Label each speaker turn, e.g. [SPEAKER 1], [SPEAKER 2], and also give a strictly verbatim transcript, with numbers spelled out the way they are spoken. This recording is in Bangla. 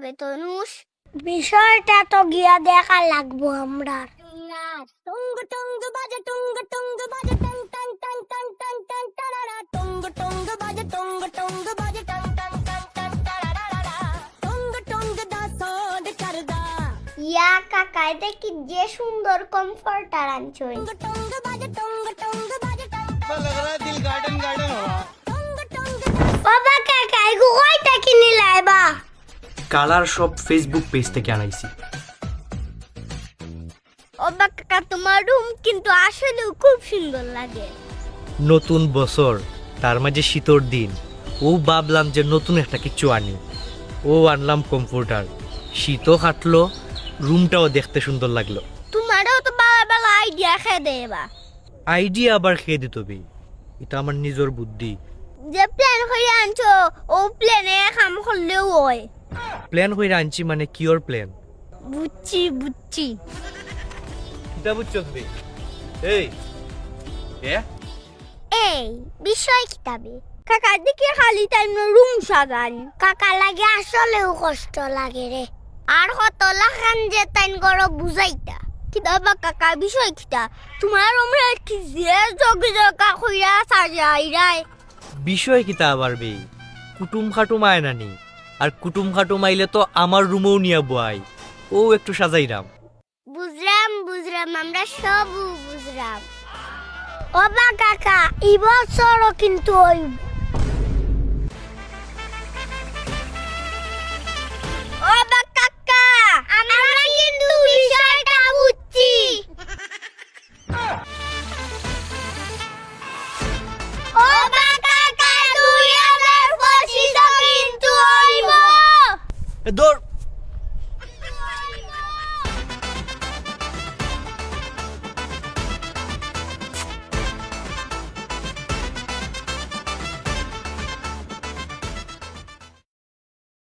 [SPEAKER 1] হবে তনুষ?
[SPEAKER 2] বিষয়টা তো গিয়া দেখা লাগবো আমরা।
[SPEAKER 1] টুঙ্গ টুঙ্গ বাজে টুঙ্গ টুঙ্গ বাজে টং টং টং টং টং টং টারারা টুঙ্গ টুঙ্গ বাজে টুঙ্গ টুঙ্গ বাজে টং টং টং টং টারারা টুঙ্গ টুঙ্গ দা সোড করদা।
[SPEAKER 2] ইয়া কাকা, এটা কি যে সুন্দর কমফর্টার আনছো।
[SPEAKER 1] টুঙ্গ টুঙ্গ বাজে টুঙ্গ টুঙ্গ বাজে টং
[SPEAKER 3] ऐसा लग रहा है दिल गार्डन गार्डन हो रहा।
[SPEAKER 1] টুঙ্গ টুঙ্গ
[SPEAKER 2] বাবা কাকা, এগো কয়টা কিনি লাইবা?
[SPEAKER 4] কালার সব ফেসবুক পেজ থেকে আনাইছি।
[SPEAKER 1] ওবা কাকা, তোমার রুম কিন্তু আসলে খুব সুন্দর লাগে।
[SPEAKER 4] নতুন বছর, তার মাঝে শীতর দিন, ও ভাবলাম যে নতুন একটা কিছু আনি। ও আনলাম কম্পিউটার, শীতও কাটলো, রুমটাও দেখতে সুন্দর লাগলো।
[SPEAKER 1] তোমারও তো বাবা বেলা আইডিয়া খেয়ে দেবা।
[SPEAKER 4] আইডিয়া আবার খেয়ে দিত বে, এটা আমার নিজের বুদ্ধি।
[SPEAKER 1] যে প্ল্যান করে আনছো ও প্ল্যানে কাম করলেও হয়।
[SPEAKER 4] প্ল্যান হয়ে আনছি মানে কিওর প্ল্যান?
[SPEAKER 1] বুঝছি বুঝছি।
[SPEAKER 4] এটা বুঝছো তুমি? এই এ
[SPEAKER 2] এই বিষয় কিতাবে
[SPEAKER 1] কাকা দিকে খালি টাইম রুম সাজান।
[SPEAKER 2] কাকা লাগে আসলেও কষ্ট লাগে রে। আর কত লাখান যে তাইন গড় বুঝাইতা।
[SPEAKER 1] কিতা বা কাকা বিষয় কিতা? তোমার আমরা কি যে জগ জগা কইরা সাজাই রাই।
[SPEAKER 4] বিষয় কিতা আবার বে, কুটুম খাটুম আয় নানি, আর কুটুম খাটুম আইলে তো আমার রুমেও নিয়ে বয়, ও একটু সাজাইরাম।
[SPEAKER 2] বুঝলাম বুঝলাম, আমরা সব বুঝলাম। ওবা কাকা, এই বছরও কিন্তু ওই
[SPEAKER 1] ও বা কাকা,
[SPEAKER 2] আমরা কিন্তু বিষয়টা বুঝছি। ওবা কাকা, দুই হাজার পঁচিশ কিন্তু হইব।
[SPEAKER 4] এ দৌড়